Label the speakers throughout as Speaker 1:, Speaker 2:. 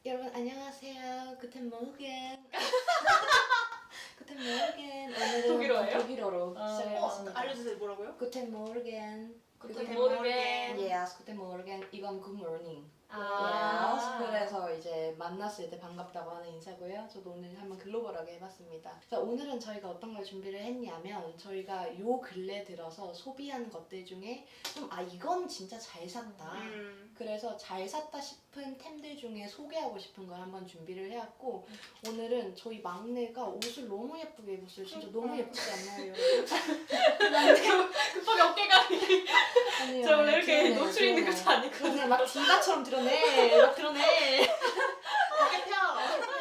Speaker 1: 여러분 안녕하세요. 구텐 모르겐. 구텐 모르겐. 오늘은
Speaker 2: 독일어예요?
Speaker 1: 독일어로 시작해봤습니다.
Speaker 3: 알려주세요. 뭐라고요?
Speaker 1: 구텐 모르겐.
Speaker 2: Guten Morgen.
Speaker 1: Yes, 구텐 모르겐. 이건 good morning.
Speaker 2: 아.
Speaker 1: Yes. 그래서 이제 만났을 때 반갑다고 하는 인사고요. 저도 오늘 한번 글로벌하게 해봤습니다. 자, 오늘은 저희가 어떤 걸 준비를 했냐면 저희가 요 근래 들어서 소비한 것들 중에 좀 이건 진짜 잘 샀다. 그래서 잘 샀다 싶은 템들 중에 소개하고 싶은 걸 한번 준비를 해왔고 오늘은 저희 막내가 옷을 너무 예쁘게 입었어요. 진짜 너무 예쁘지 않나요, 여러분?
Speaker 2: 급하게 어깨가
Speaker 1: 아니에요.
Speaker 2: 저 원래 이렇게
Speaker 1: 드러내요,
Speaker 2: 노출 있는
Speaker 1: 드러내요.
Speaker 2: 것도 아니거든요.
Speaker 1: 그냥 막 디바처럼 드러내. 막 드러내.
Speaker 3: 어깨 펴.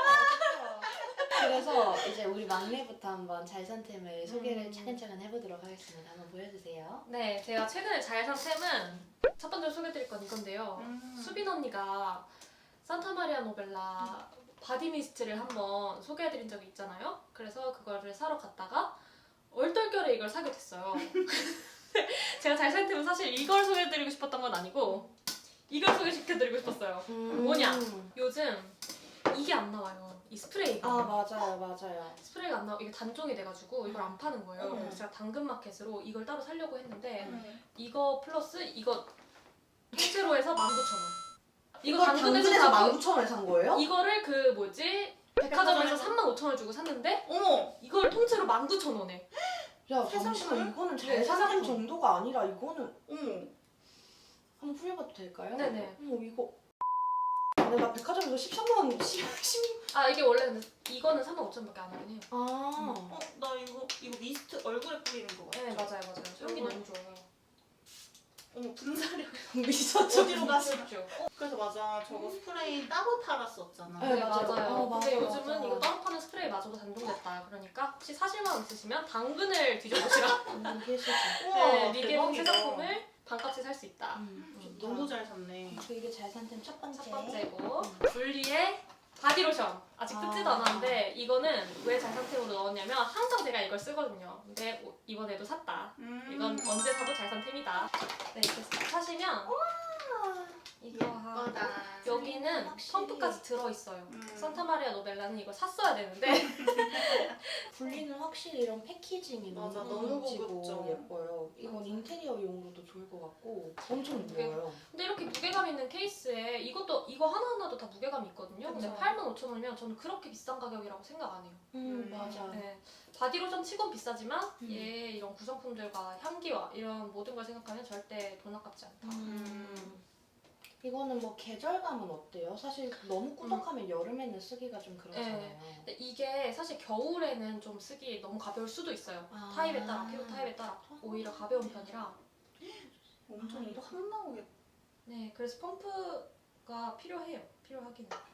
Speaker 1: 그래서 이제 우리 막내부터 한번 잘 산 템을 소개를 차근차근 해보도록 하겠습니다. 한번 보여주세요.
Speaker 2: 네, 제가 최근에 잘 산 템은 첫 번째로 소개해드릴 건 이건데요. 수빈 언니가 산타마리아 노벨라 바디미스트를 한번 소개해드린 적이 있잖아요. 그래서 그거를 사러 갔다가 얼떨결에 이걸 사게 됐어요. 제가 잘 산 템은 사실 이걸 소개해드리고 싶었던 건 아니고 이걸 소개시켜드리고 싶었어요. 뭐냐? 요즘 이게 안 나와요. 이 스프레이가.
Speaker 1: 맞아요.
Speaker 2: 스프레이가 안 나와. 이게 단종이 돼가지고 이걸 안 파는 거예요. 그래서 제가 당근마켓으로 이걸 따로 사려고 했는데 이거 플러스 이거 통째로 해서 19,000원. 이거 당근에서 사고
Speaker 1: 19,000원에 산 거예요?
Speaker 2: 이거를 그 뭐지? 백화점에서 35,000원 주고 샀는데
Speaker 3: 어머.
Speaker 2: 이걸 통째로 19,000원에.
Speaker 1: 야
Speaker 3: 세상
Speaker 1: 잠시만 이거는
Speaker 2: 네,
Speaker 1: 잘 산 템
Speaker 2: 세상
Speaker 1: 정도가 아니라 이거는
Speaker 3: 어머.
Speaker 1: 한번 풀려봐도 될까요?
Speaker 2: 네네.
Speaker 1: 어머 이거 내가 백화점에서 13만 10...
Speaker 2: 아 이게 원래 근데 이거는 35,000원밖에 안 하긴 해요.
Speaker 3: 나 이거 미스트 얼굴에 뿌리는 거 같아.
Speaker 2: 네 맞아요. 향기 너무 좋아요.
Speaker 3: 어머 분사력.
Speaker 1: 미쳤죠?
Speaker 3: 어디로 가시나?
Speaker 2: 그렇죠.
Speaker 3: 그래서 맞아. 저거 스프레이 따로 팔았었잖아.
Speaker 1: 네,
Speaker 2: 네
Speaker 1: 맞아요.
Speaker 2: 맞아요. 근데
Speaker 1: 맞아요,
Speaker 2: 요즘은
Speaker 1: 맞아요.
Speaker 2: 이거 따로 파는 스프레이마저도 단종됐다. 그러니까 혹시 사실 마음 있으시면 당근을 뒤져보시라.
Speaker 1: 필수지.
Speaker 2: 네, 리게봉
Speaker 3: 대박이다.
Speaker 2: 제작품을 반값에 살 수 있다.
Speaker 3: 너무 잘 샀네.
Speaker 1: 이게 잘 산 템 첫 번째.
Speaker 2: 첫 번째고 분리의 바디로션. 아직 뜯지도 않았는데 이거는 왜 잘 상템으로 넣었냐면 항상 제가 이걸 쓰거든요. 근데 이번에도 샀다. 이건 언제 사도 잘 산 템이다. 네, 이렇게 사시면 이거
Speaker 3: 예쁘다.
Speaker 2: 여기는
Speaker 1: 확실히.
Speaker 2: 펌프까지 들어있어요. 산타마리아 노벨라는 이거 샀어야 되는데
Speaker 1: 분리는 확실히 이런 패키징이
Speaker 3: 맞아,
Speaker 1: 너무
Speaker 3: 너무
Speaker 1: 고급지고
Speaker 3: 고급져.
Speaker 1: 예뻐요. 이건 인테리어용으로도 좋을 것 같고 엄청
Speaker 2: 무게-
Speaker 1: 무거워요.
Speaker 2: 근데 이렇게 무게감 있는 케이스에 이거 하나하나도 다 무게감이 있거든요. 근데
Speaker 3: 그쵸.
Speaker 2: 85,000원이면 저는 그렇게 비싼 가격이라고 생각 안 해요.
Speaker 1: 맞아.
Speaker 2: 네. 바디로션 치곤 비싸지만
Speaker 1: 음.
Speaker 2: 얘 이런 구성품들과 향기와 이런 모든 걸 생각하면 절대 돈 아깝지 않다.
Speaker 1: 이거는 뭐 계절감은 어때요? 사실 너무 꾸덕하면 여름에는 쓰기가 좀 그렇잖아요.
Speaker 2: 근데 이게 사실 겨울에는 좀 쓰기 너무 가벼울 수도 있어요. 타입에 따라, 피부 타입에 따라 오히려 가벼운 편이라.
Speaker 3: 엄청 이거 한 나오겠다.
Speaker 2: 네, 그래서 펌프가 필요해요. 필요하긴 해요.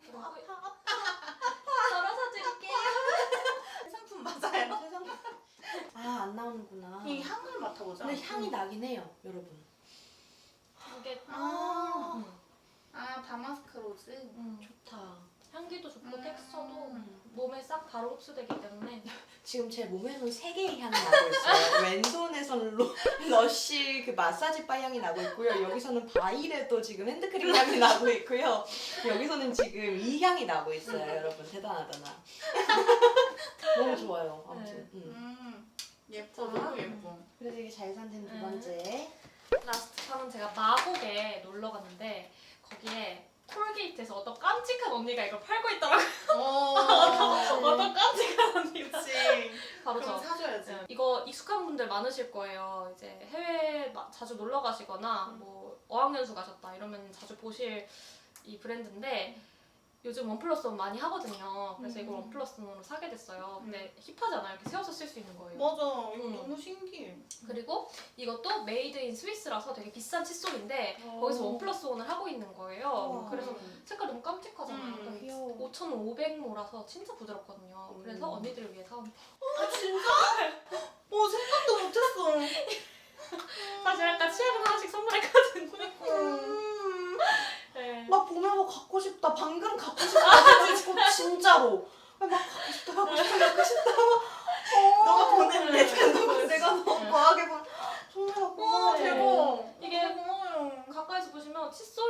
Speaker 2: 덜어서 드릴게요.
Speaker 3: 상품 맞아요?
Speaker 1: 세상 안 나오는구나.
Speaker 3: 이 향을 맡아보자.
Speaker 1: 근데 향이 나긴 해요, 여러분.
Speaker 2: 이게
Speaker 3: 아, 다마스크 로즈.
Speaker 1: 좋다.
Speaker 2: 향기도 좋고 텍스처도 몸에 싹 바로 흡수되기 때문에
Speaker 1: 지금 제 몸에는 3개의 향이 나고 있어요. 왼손에서는 러쉬 그 마사지 바 향이 나고 있고요. 여기서는 바이레도 지금 핸드크림 향이 나고 있고요. 여기서는 지금 이 향이 나고 있어요. 여러분 대단하다 나. 너무 좋아요. 아무튼.
Speaker 3: 예뻐. 너무 예뻐.
Speaker 1: 그래서 이게 잘 산 템 두 번째.
Speaker 2: 라스트 판은 제가 마곡에 놀러 갔는데 거기에 톨게이트에서 어떤 깜찍한 언니가 이걸 팔고 있더라고요. 어떤 깜찍한 언니가.
Speaker 3: 그치.
Speaker 2: 바로
Speaker 3: 그럼
Speaker 2: 저.
Speaker 3: 사줘야지.
Speaker 2: 네. 이거 익숙한 분들 많으실 거예요. 이제 해외 자주 놀러 가시거나 뭐 어학연수 가셨다 이러면 자주 보실 이 브랜드인데 요즘 원 플러스 원 많이 하거든요. 그래서 이걸 원 플러스 원으로 사게 됐어요. 근데 힙하잖아요. 이렇게 세워서 쓸 수 있는 거예요.
Speaker 3: 맞아. 이거 너무 신기해.
Speaker 2: 그리고 이것도 메이드 인 스위스라서 되게 비싼 칫솔인데 거기서 원 플러스 원을 하고 있는 거예요. 그래서 색깔 너무 깜찍하잖아요.
Speaker 1: 귀여워.
Speaker 2: 5,500모라서 진짜 부드럽거든요. 그래서 언니들을 위해 사온.
Speaker 3: 아 진짜? 생각도 못했어.
Speaker 2: 사실 아까 치아를 하나씩 선물했거든요. 네.
Speaker 1: 막 보면서 갖고 싶다. 방금 갖고 싶다. 진짜로. 막 갖고 싶다. 갖고 싶다.
Speaker 3: 너가 보냈네.
Speaker 1: 내가 너무 과하게 본. 정말 고마워요.
Speaker 3: 대박.
Speaker 2: 이게
Speaker 3: 고마워요.
Speaker 2: 가까이서 보시면 칫솔 모랑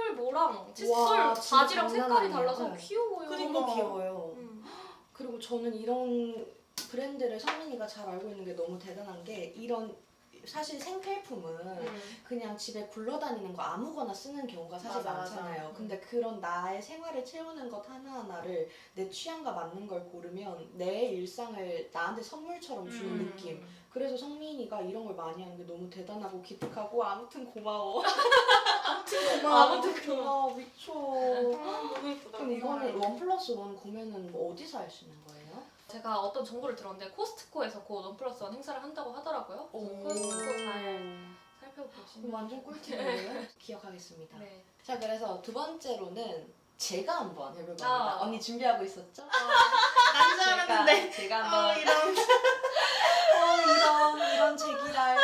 Speaker 2: 칫솔이랑 칫솔
Speaker 1: 와, 진짜
Speaker 2: 바지랑
Speaker 1: 장난
Speaker 2: 색깔이
Speaker 1: 아니에요.
Speaker 2: 달라서
Speaker 1: 네.
Speaker 2: 귀여워요.
Speaker 3: 그니까.
Speaker 1: 너무 귀여워요.
Speaker 2: 음.
Speaker 1: 그리고 저는 이런 브랜드를 성민이가 잘 알고 있는 게 너무 대단한 게 이런 사실 생필품은 그냥 집에 굴러다니는 거 아무거나 쓰는 경우가 사실
Speaker 3: 맞아,
Speaker 1: 많잖아요.
Speaker 3: 맞아.
Speaker 1: 근데 그런 나의 생활을 채우는 것 하나하나를 내 취향과 맞는 걸 고르면 내 일상을 나한테 선물처럼 주는 느낌. 그래서 성민이가 이런 걸 많이 하는 게 너무 대단하고 기특하고 아무튼 고마워. 아무튼 고마워 미쳐.
Speaker 3: 너무 예쁘다.
Speaker 1: 그럼 이거는 1+1 구매는 뭐 어디서 할 수 있는 거예요?
Speaker 2: 제가 어떤 정보를 들었는데 코스트코에서 곧 원플러스1 행사를 한다고 하더라고요. 코스트코 잘 살펴보시면
Speaker 1: 완전 꿀팁이에요. 기억하겠습니다.
Speaker 2: 네.
Speaker 1: 자, 그래서 두 번째로는 제가 한번 해볼 겁니다.
Speaker 2: 아.
Speaker 1: 언니 준비하고 있었죠?
Speaker 3: 난 줄 알았는데.
Speaker 1: 제가 한번
Speaker 3: 이런.
Speaker 1: 이런 제기랄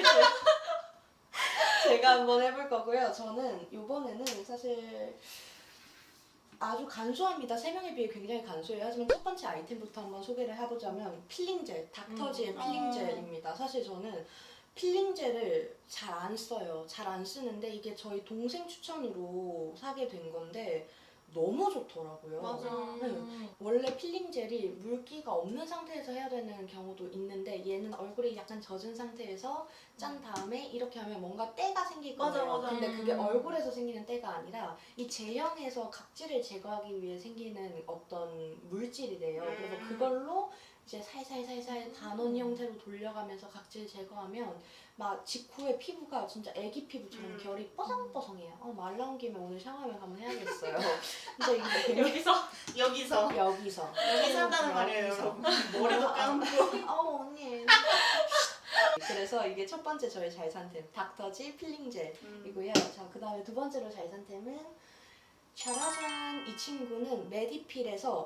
Speaker 1: 제가 한번 해볼 거고요. 저는 이번에는 사실 아주 간소합니다. 세 명에 비해 굉장히 간소해요. 하지만 첫 번째 아이템부터 한번 소개를 해보자면 필링젤, 닥터지의 필링젤입니다. 사실 저는 필링젤을 잘 안 써요. 잘 안 쓰는데 이게 저희 동생 추천으로 사게 된 건데 너무 좋더라고요.
Speaker 3: 맞아.
Speaker 1: 원래 필링젤이 물기가 없는 상태에서 해야 되는 경우도 있는데 얘는 얼굴이 약간 젖은 상태에서 짠 다음에 이렇게 하면 뭔가 때가 생길 거예요.
Speaker 3: 맞아, 맞아.
Speaker 1: 근데 그게 얼굴에서 생기는 때가 아니라 이 제형에서 각질을 제거하기 위해 생기는 어떤 물질이래요. 그래서 그걸로 이제 살살살살 단원 형태로 돌려가면서 각질 제거하면 막 직후에 피부가 진짜 애기 피부처럼 결이 뽀송뽀송해요. 말 나온 김에 오늘 샤워하면 한번 해야겠어요. 근데 이게 되게
Speaker 3: 여기서
Speaker 1: 여기서
Speaker 3: 한다는 말이에요,
Speaker 1: 여기서.
Speaker 3: 여러분. 머리도 감고.
Speaker 1: 언니. 그래서 이게 첫 번째 저의 잘 산 템, 닥터지 필링젤이고요. 자, 그 다음에 두 번째로 잘 산 템은 짜라잔! 이 친구는 메디필에서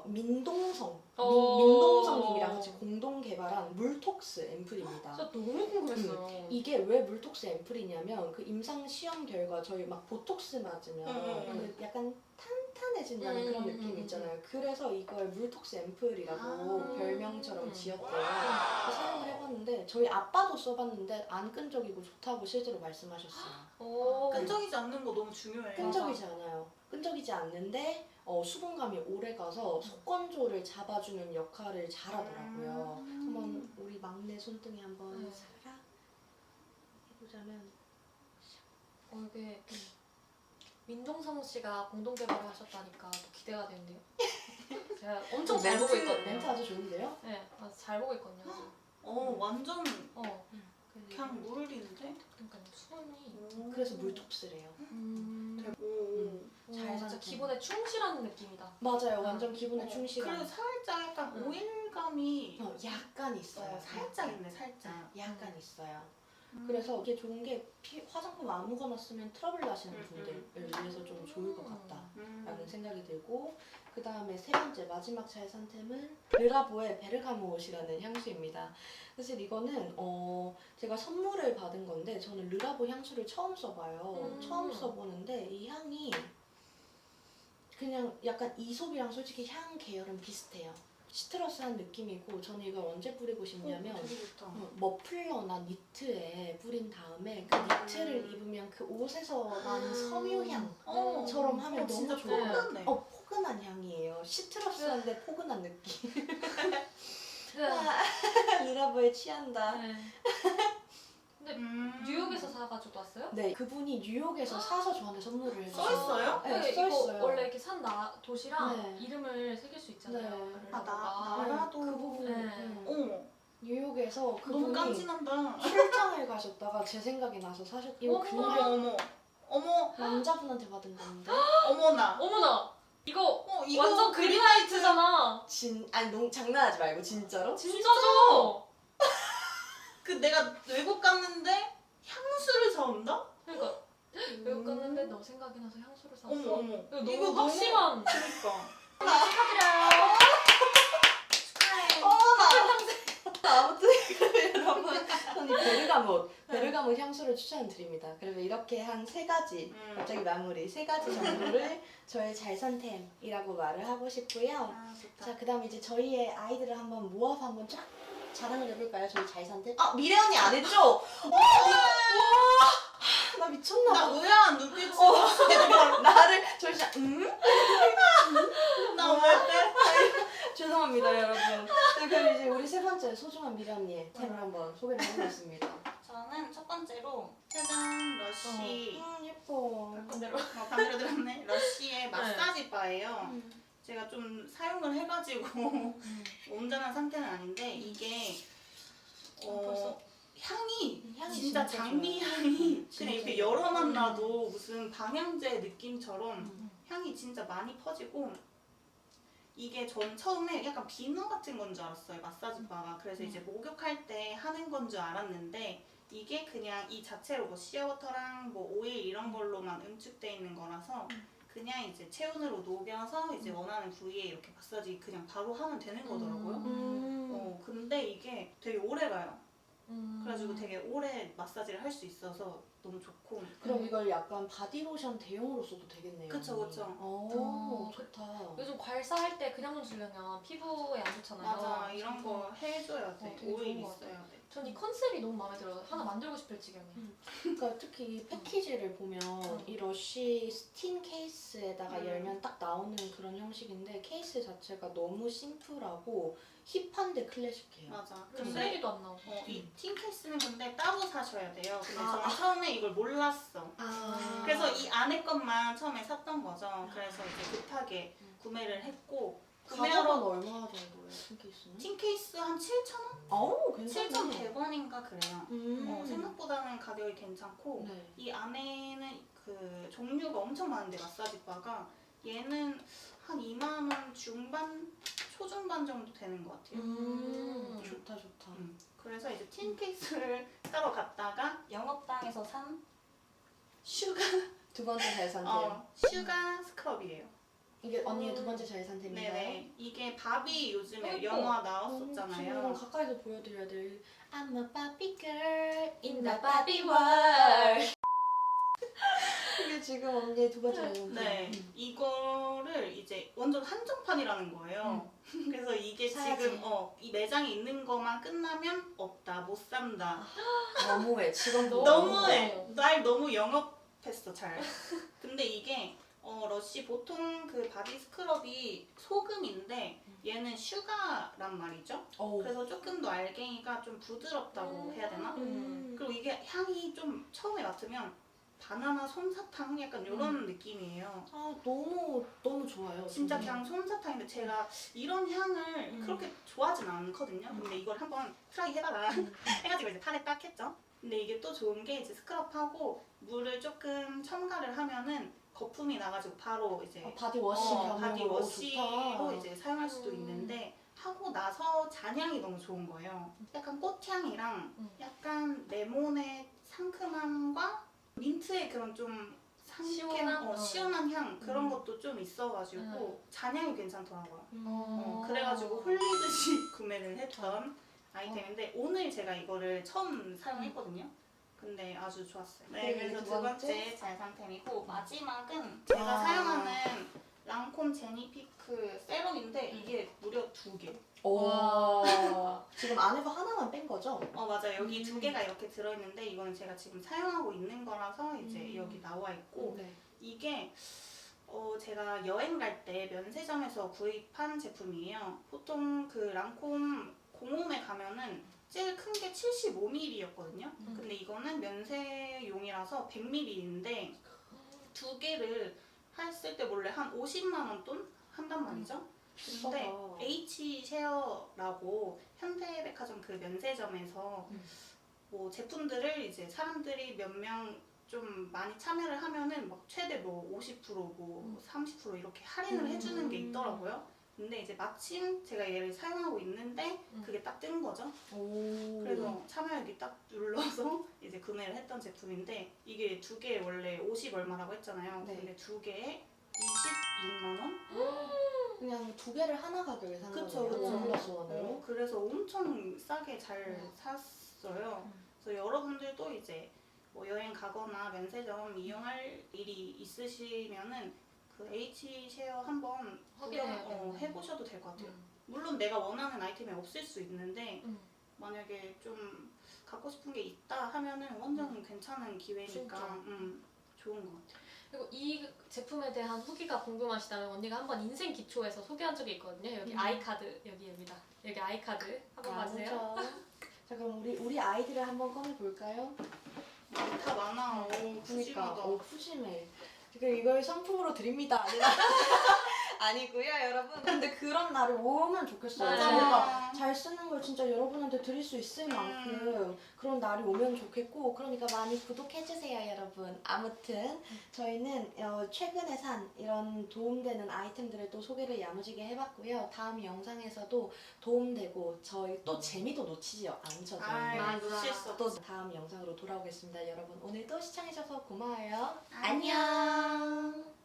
Speaker 1: 민동성님이랑 같이 공동 개발한 물톡스 앰플입니다.
Speaker 2: 진짜 너무 궁금했어요.
Speaker 1: 이게 왜 물톡스 앰플이냐면 그 임상 시험 결과 저희 막 보톡스 맞으면 그 약간 탄탄해진다는 그런 느낌 있잖아요. 그래서 이걸 물톡스 앰플이라고 별명처럼 지었대요. 그래서 사용을 해봤는데 저희 아빠도 써봤는데 안 끈적이고 좋다고 실제로 말씀하셨어요.
Speaker 3: 끈적이지 않는 거 너무 중요해.
Speaker 1: 끈적이지 않아요. 끈적이지 않는데 수분감이 오래 가서 속건조를 잡아주는 역할을 잘하더라고요. 한번 우리 막내 손등에 한번 살짝 해보자면
Speaker 2: 이게 민동성 씨가 공동 개발을 하셨다니까 또 기대가 되는데요. 제가 엄청 잘 보고 있거든요.
Speaker 1: 멘트 아주 좋은데요?
Speaker 2: 네, 잘 보고 있거든요.
Speaker 3: 완전
Speaker 1: 그래서
Speaker 3: 그냥 물 흘리는데?
Speaker 2: 그러니까 수분이
Speaker 1: 그래서 물톡스래요. 잘
Speaker 2: 진짜
Speaker 1: 산
Speaker 2: 기본에 충실한 느낌이다.
Speaker 1: 맞아요. 완전 기분에
Speaker 3: 그래도
Speaker 1: 충실한.
Speaker 3: 살짝 약간 오일감이
Speaker 1: 약간 있어요.
Speaker 3: 살짝 있네, 살짝.
Speaker 1: 약간 있어요. 그래서 이게 좋은 게 화장품 아무거나 쓰면 트러블 나시는 분들을 위해서 좀 좋을 것 같다라는 생각이 들고, 그 다음에 세 번째 마지막 잘 산 템은 르라보의 베르가모옷이라는 향수입니다. 사실 이거는 제가 선물을 받은 건데 저는 르라보 향수를 처음 써봐요. 처음 써보는데 이 향이 그냥 약간 이솝이랑 솔직히 향 계열은 비슷해요. 시트러스한 느낌이고 저는 이걸 언제 뿌리고 싶냐면
Speaker 3: 되게 좋다.
Speaker 1: 머플러나 니트에 뿌린 다음에 그 니트를 입으면 그 옷에서 나는 섬유향처럼 하면 너무
Speaker 3: 진짜
Speaker 1: 좋아요.
Speaker 3: 포근해.
Speaker 1: 포근한 향이에요. 시트러스한데 포근한 느낌.
Speaker 2: 네.
Speaker 1: 르라보에 취한다.
Speaker 2: 네. 근데 뉴욕에서 사가지고 왔어요?
Speaker 1: 네, 그분이 뉴욕에서 사서 저한테 선물을 해주셨어요.
Speaker 3: 써있어요?
Speaker 1: 네,
Speaker 2: 이거
Speaker 1: 써있어요.
Speaker 2: 원래 이렇게 산 도시랑
Speaker 1: 네.
Speaker 2: 이름을 새길 수 있잖아요.
Speaker 1: 네.
Speaker 2: 르라보가.
Speaker 3: 나라도.
Speaker 1: 그 부분.
Speaker 2: 네.
Speaker 1: 뉴욕에서
Speaker 3: 너무
Speaker 1: 그분이
Speaker 3: 깜찍한다.
Speaker 1: 출장을 가셨다가 제 생각이 나서 사셨. 이거 그냥
Speaker 3: 어머.
Speaker 1: 남자분한테 받은 건데.
Speaker 3: 어머나.
Speaker 2: 어머나! 이거
Speaker 3: 이거
Speaker 2: 완전 그린라이트잖아.
Speaker 1: 아니 장난하지 말고 진짜로?
Speaker 2: 진짜죠?
Speaker 3: 그 내가 외국 갔는데 향수를 사온다?
Speaker 2: 그러니까 외국 갔는데 너 생각이 나서 향수를 샀어.
Speaker 3: 어머.
Speaker 2: 이거 너무 확실한.
Speaker 3: 그러니까.
Speaker 2: 축하드려요.
Speaker 1: 아무튼 여러분 저는 이 베르가못 향수를 추천드립니다. 그리고 이렇게 한 세 가지 갑자기 마무리 세 가지 정도를 저의 잘산템이라고 말을 하고 싶고요.
Speaker 3: 좋다.
Speaker 1: 자, 그다음 이제 저희의 아이들을 한번 모아서 한번 쫙 자랑을 해볼까요? 저희 잘산템?
Speaker 3: 미래 언니 안 했죠?
Speaker 1: 나 미쳤나 봐.
Speaker 3: 나 의아한 눈빛으로
Speaker 1: 나를 저 진짜
Speaker 3: 나왜 빼?
Speaker 1: 죄송합니다 여러분. 네, 그럼 이제 우리 세 번째 소중한 미라님 템을 한번 소개를 해보겠습니다.
Speaker 3: 저는 첫 번째로 짜잔 러쉬
Speaker 1: 예뻐.
Speaker 2: 반대로.
Speaker 3: 반대로 들었네. 러쉬의 마사지 바예요.
Speaker 1: 음.
Speaker 3: 제가 좀 사용을 해가지고 온전한 상태는 아닌데 이게
Speaker 2: 벌써?
Speaker 3: 향이
Speaker 1: 향이
Speaker 3: 진짜
Speaker 1: 진짜
Speaker 3: 장미
Speaker 1: 좋아요.
Speaker 3: 향이
Speaker 1: 진짜
Speaker 3: 그냥 이렇게
Speaker 1: 좋아요.
Speaker 3: 열어만 놔도 무슨 방향제 느낌처럼
Speaker 1: 음.
Speaker 3: 향이 진짜 많이 퍼지고 이게 전 처음에 약간 비누 같은 건 줄 알았어요, 마사지 바가. 그래서 이제 목욕할 때 하는 건 줄 알았는데 이게 그냥 이 자체로 뭐 시어워터랑 뭐 오일 이런 걸로만 응축돼 있는 거라서 그냥 이제 체온으로 녹여서 이제 원하는 부위에 이렇게 마사지 그냥 바로 하면 되는 거더라고요. 근데 이게 되게 오래 가요. 그래가지고 되게 오래 마사지를 할 수 있어서 너무 좋고.
Speaker 1: 그럼 이걸 약간 바디로션 대용으로 써도 되겠네요.
Speaker 3: 그쵸, 그쵸.
Speaker 1: 오, 좋다.
Speaker 2: 요즘 괄사할 때 그냥 문지르면 피부에 안 좋잖아요.
Speaker 3: 맞아, 이런 거 해줘야 돼.
Speaker 2: 되게
Speaker 3: 오일
Speaker 2: 좋은 것
Speaker 3: 있어야 돼.
Speaker 2: 전 이 컨셉이 너무 마음에 들어요. 하나 만들고 싶을 지경에.
Speaker 1: 그러니까 특히 이 패키지를 보면 이 러쉬 스팀 케이스에다가 열면 딱 나오는 그런 형식인데 케이스 자체가 너무 심플하고 힙한데 클래식해요.
Speaker 3: 맞아.
Speaker 2: 그리고
Speaker 3: 근데
Speaker 2: 쓰레기도 안 나오고.
Speaker 3: 이 틴케이스는 근데 따로 사셔야 돼요. 근데
Speaker 1: 아.
Speaker 3: 저는 처음에 이걸 몰랐어.
Speaker 1: 아.
Speaker 3: 그래서 이 안에 것만 처음에 샀던 거죠. 그래서 이제 급하게 구매를 했고
Speaker 1: 가격은
Speaker 3: 구매하러
Speaker 1: 얼마 정도예요, 스팀 케이스는?
Speaker 3: 틴케이스 한 7,000원?
Speaker 1: 아우, 괜찮네.
Speaker 3: 7,100원인가 그래요.
Speaker 1: 음.
Speaker 3: 생각보다는 가격이 괜찮고
Speaker 1: 네.
Speaker 3: 이 안에는 그 종류가 엄청 많은데 마사지 바가 얘는 한 2만 원 중반, 초중반 정도 되는 것 같아요.
Speaker 1: 좋다, 좋다.
Speaker 3: 그래서 이제 틴 케이스를 사러 갔다가 영업당에서 산 슈가
Speaker 1: 두 번째 잘 산 템.
Speaker 3: 슈가 스크럽이에요.
Speaker 1: 이게 언니의 두 번째 잘 산 템인가요?
Speaker 3: 네네. 이게 바비 요즘에
Speaker 2: 예뻐.
Speaker 3: 영화
Speaker 1: 지금
Speaker 3: 나왔었잖아요.
Speaker 1: 가까이서 보여드려야 돼. I'm a Barbie girl
Speaker 2: In the Barbie world.
Speaker 1: 이게 지금 언니의 두 번째 잘 산 템.
Speaker 3: 네, 이거를 이제 완전 한정판이라는 거예요. 그래서 이게
Speaker 1: 사야지.
Speaker 3: 지금 이 매장에 있는 것만 끝나면 없다, 못 산다.
Speaker 1: 너무해, 직원도
Speaker 3: 너무해. 날 너무 영업했어, 잘. 근데 이게 러쉬 보통 그 바디 스크럽이 소금인데 얘는 슈가란 말이죠.
Speaker 1: 어우.
Speaker 3: 그래서 조금 더 알갱이가 좀 부드럽다고 해야 되나? 그리고 이게 향이 좀 처음에 맡으면 바나나 솜사탕 약간 이런 느낌이에요.
Speaker 1: 아, 너무 좋아요.
Speaker 3: 진짜
Speaker 1: 저는.
Speaker 3: 그냥 솜사탕인데 제가 이런 향을 그렇게 좋아하진 않거든요. 근데 이걸 한번 트라이 해봐라 해가지고 이제 판에 딱 했죠. 근데 이게 또 좋은 게 이제 스크럽하고 물을 조금 첨가를 하면은 거품이 나가지고 바로 이제
Speaker 1: 바디워시 겸용으로.
Speaker 3: 바디워시로
Speaker 1: 좋다.
Speaker 3: 이제 사용할 수도 있는데 하고 나서 잔향이 너무 좋은 거예요. 약간 꽃향이랑 약간 레몬의 상큼함과 민트의 그런 좀
Speaker 2: 시원한?
Speaker 3: 시원한 향 그런 것도 좀 있어가지고 잔향이 괜찮더라고요.
Speaker 1: 음.
Speaker 3: 그래가지고 홀리듯이 구매를 했던 아이템인데 오늘 제가 이거를 처음 사용했거든요. 근데 아주 좋았어요. 네,
Speaker 1: 그리고
Speaker 3: 그래서
Speaker 1: 두
Speaker 3: 두
Speaker 1: 번째?
Speaker 3: 번째 잘 상템이고 마지막은 제가 사용하는 랑콤 제니피크 세럼인데 이게 무려 2개.
Speaker 1: 오. 지금 안에서 하나만 뺀 거죠?
Speaker 3: 맞아. 여기 2개가 이렇게 들어있는데 이거는 제가 지금 사용하고 있는 거라서 이제 여기 나와 있고
Speaker 1: 네.
Speaker 3: 이게 제가 여행 갈 때 면세점에서 구입한 제품이에요. 보통 그 랑콤 공홈에 가면은 제일 큰 게 75ml였거든요. 근데 이거는 면세용이라서 100ml인데 2개를 했을 때 원래 한 50만 원 돈 한단 말이죠. 근데
Speaker 1: 비싸다.
Speaker 3: H쉐어라고 현대백화점 그 면세점에서 뭐 제품들을 이제 사람들이 몇 명 좀 많이 참여를 하면은 막 최대 뭐 50% 뭐 30% 이렇게 할인을 해주는 게 있더라고요. 근데 이제 마침 제가 얘를 사용하고 있는데 그게 딱 뜬 거죠.
Speaker 1: 오.
Speaker 3: 그래서 참여하기 딱 눌러서 이제 구매를 했던 제품인데 이게 2개에 원래 50 얼마라고 했잖아요.
Speaker 1: 네.
Speaker 3: 근데 2개에 26만 원?
Speaker 1: 그냥 2개를 하나 가격에 산
Speaker 3: 그쵸,
Speaker 1: 거예요.
Speaker 3: 그쵸.
Speaker 1: 원 플러스 원으로.
Speaker 3: 그래서 엄청 싸게 잘 샀어요. 그래서 여러분들도 이제 뭐 여행 가거나 면세점 이용할 일이 있으시면은 그 H쉐어 한번
Speaker 2: 확인해야 되겠네.
Speaker 3: 해보셔도 될 것 같아요. 물론 내가 원하는 아이템이 없을 수 있는데 만약에 좀 갖고 싶은 게 있다 하면은 완전 괜찮은 기회니까
Speaker 2: 진짜.
Speaker 3: 좋은 것 같아요.
Speaker 2: 그리고 이 제품에 대한 후기가 궁금하시다면 언니가 한번 인생 기초에서 소개한 적이 있거든요. 여기 아이카드 여기입니다. 여기 아이카드 한번 봐주세요.
Speaker 1: 자 그럼 우리 아이들을 한번 꺼내 볼까요?
Speaker 3: 다 많아.
Speaker 1: 그러니까
Speaker 3: 푸짐하다.
Speaker 1: 푸짐해. 지금 이걸 상품으로 드립니다. 아니고요, 여러분. 근데 그런 날이 오면 좋겠어요.
Speaker 2: 맞아요.
Speaker 1: 뭔가 잘 쓰는 걸 진짜 여러분한테 드릴 수 있을 만큼 그런 날이 오면 좋겠고, 그러니까 많이 구독해주세요, 여러분. 아무튼 저희는 최근에 산 이런 도움되는 아이템들을 또 소개를 야무지게 해봤고요. 다음 영상에서도 도움되고 저희 또 재미도 놓치지 않죠. 저희는.
Speaker 2: 맞아.
Speaker 3: 놓칠 수 없어.
Speaker 1: 또 다음 영상으로 돌아오겠습니다. 여러분 오늘도 시청해주셔서 고마워요.
Speaker 3: 안녕.